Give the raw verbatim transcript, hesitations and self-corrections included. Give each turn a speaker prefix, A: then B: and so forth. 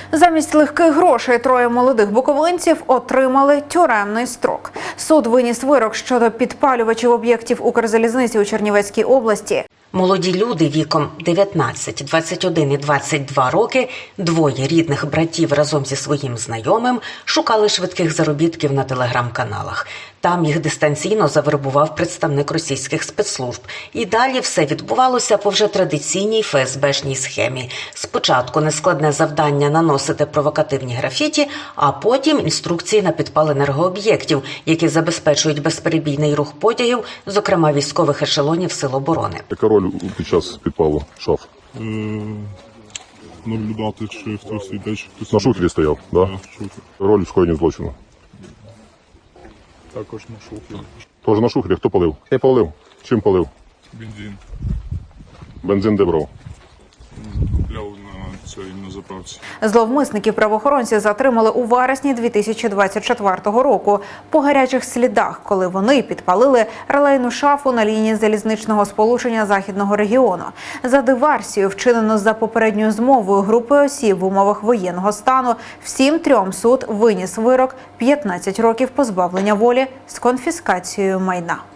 A: Замість легких грошей троє молодих буковинців отримали тюремний строк. Суд виніс вирок щодо підпалювачів об'єктів Укрзалізниці у Чернівецькій області.
B: Молоді люди віком дев'ятнадцять, двадцять один і двадцять два роки, двоє рідних братів разом зі своїм знайомим шукали швидких заробітків на телеграм-каналах. Там їх дистанційно завербував представник російських спецслужб. І далі все відбувалося по вже традиційній еф ес бешній схемі. Спочатку нескладне завдання наносити провокативні графіті, а потім інструкції на підпал енергооб'єктів, які забезпечують безперебійний рух потягів, зокрема військових ешелонів Сил оборони.
C: Яка роль під час підпалу шаф?
D: Е, наблюдати, чи хтось йде, чи хтось...
C: На шухері стояв, да?
D: Так, шухер.
C: Роль в скоєнні злочину.
D: Також на шухері.
C: Тож на шухері хто палив? Я палив. Чим палив?
D: Бензин.
C: Бензин де брав?
D: Купляв на цій на заправці.
A: Зловмисників правоохоронці затримали у вересні дві тисячі двадцять четвертого року по гарячих слідах, коли вони підпалили релейну шафу на лінії залізничного сполучення Західного регіону. За диверсію, вчинено за попередньою змовою групи осіб в умовах воєнного стану, всім трьом суд виніс вирок п'ятнадцять років позбавлення волі з конфіскацією майна.